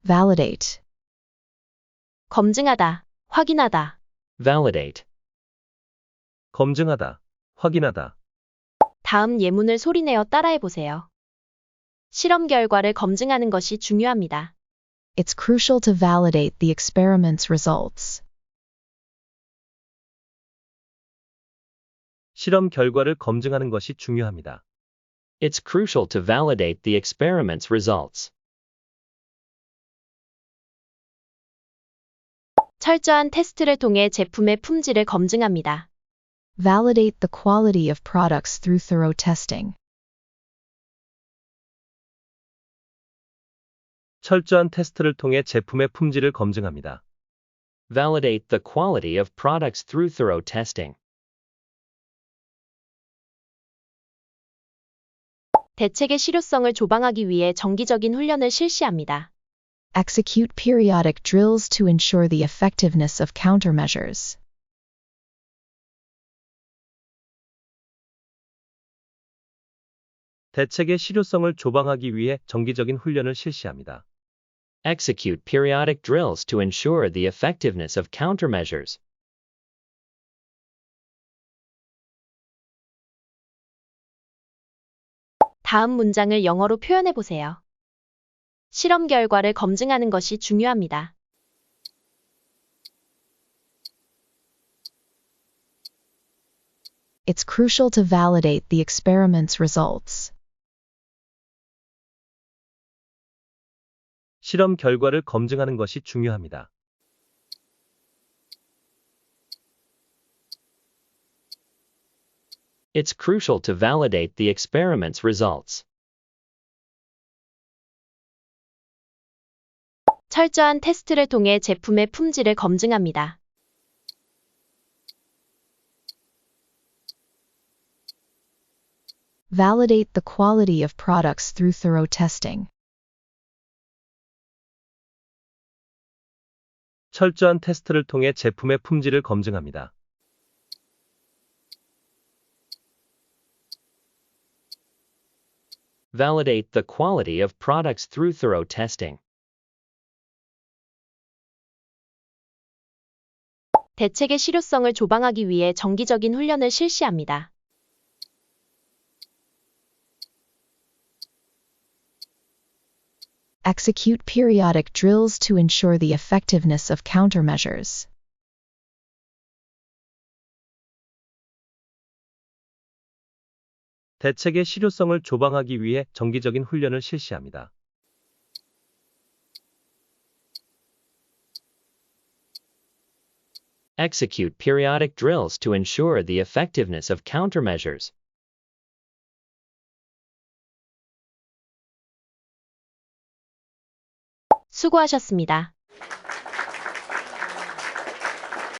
validate, 검증하다, 확인하다. validate, 검증하다, 확인하다. 다음 예문을 소리내어 따라해보세요. 실험 결과를 검증하는 것이 중요합니다. it's crucial to validate the experiment's results. 실험 결과를 검증하는 것이 중요합니다. it's crucial to validate the experiment's results. 철저한 테스트를 통해 제품의 품질을 검증합니다. Validate the quality of products through thorough testing. 철저한 테스트를 통해 제품의 품질을 검증합니다. validate the quality of products through thorough testing. 대책의 실효성을 조방하기 위해 정기적인 훈련을 실시합니다. Execute periodic drills to ensure the effectiveness of countermeasures. 대책의 실효성을 조방하기 위해 정기적인 훈련을 실시합니다. execute periodic drills to ensure the effectiveness of countermeasures. 다음 문장을 영어로 표현해 보세요. 실험 결과를 검증하는 것이 중요합니다. It's crucial to validate the experiment's results. 실험 결과를 검증하는 것이 중요합니다. It's crucial to validate the experiment's results. 철저한 테스트를 통해 제품의 품질을 검증합니다. Validate the quality of products through thorough testing. 철저한 테스트를 통해 제품의 품질을 검증합니다. validate the quality of products through thorough testing. 대책의 실효성을 조방하기 위해 정기적인 훈련을 실시합니다. Execute periodic drills to ensure the effectiveness of countermeasures. 대책의 실효성을 조방하기 위해 정기적인 훈련을 실시합니다. execute periodic drills to ensure the effectiveness of countermeasures. 수고하셨습니다.